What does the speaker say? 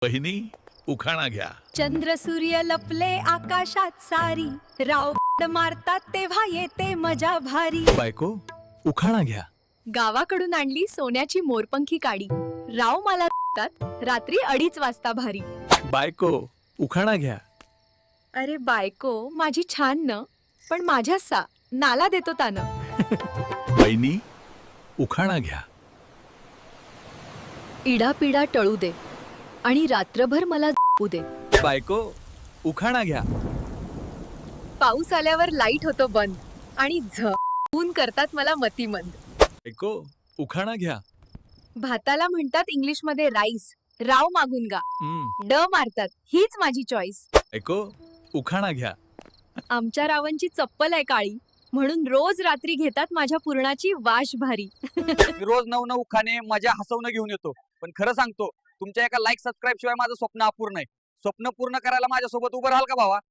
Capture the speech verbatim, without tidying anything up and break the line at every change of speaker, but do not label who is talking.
बहिणी उखाणा घ्या.
चंद्र सूर्य लपले आकाशात सारी, राव मारतात तेव्हा येते मजा भारी.
बायको उखाणा घ्या.
गावाकडून आणली सोन्याची मोरपंखी काडी, राव मला रात्री अडीच वाजता भारी.
बायको उखाणा घ्या.
अरे बायको माझी छान न, पण माझ्या सा नाला देतो तानं.
बहिणी उखाणा घ्या.
इडापिडा टळू दे आणि रात्रभर मला झोपू दे.
बायको उखाणा घ्या.
पाऊस आल्यावर लाईट होतो बंद आणि झ ऊन करतात मला मतिमंद.
बायको उखाणा घ्या.
भाताला म्हणतात इंग्लिश मध्ये राईस, राव मागून गा
हम्म.
ड मारतात हीच माझी चॉईस.
बायको उखाणा घ्या.
आमच्या रावांची चप्पल आहे काळी, म्हणून रोज रात्री घेतात माझ्या पूर्णाची वाश भारी.
मी रोज नऊ नऊ खाणे मजा हसवणं घेऊन येतो, पण खरं सांगतो तुमच्या एका लाईक सबस्क्राईब शिवाय माझं स्वप्न अपूर्ण आहे. स्वप्न पूर्ण करायला माझ्यासोबत उभं राहाल का भावा?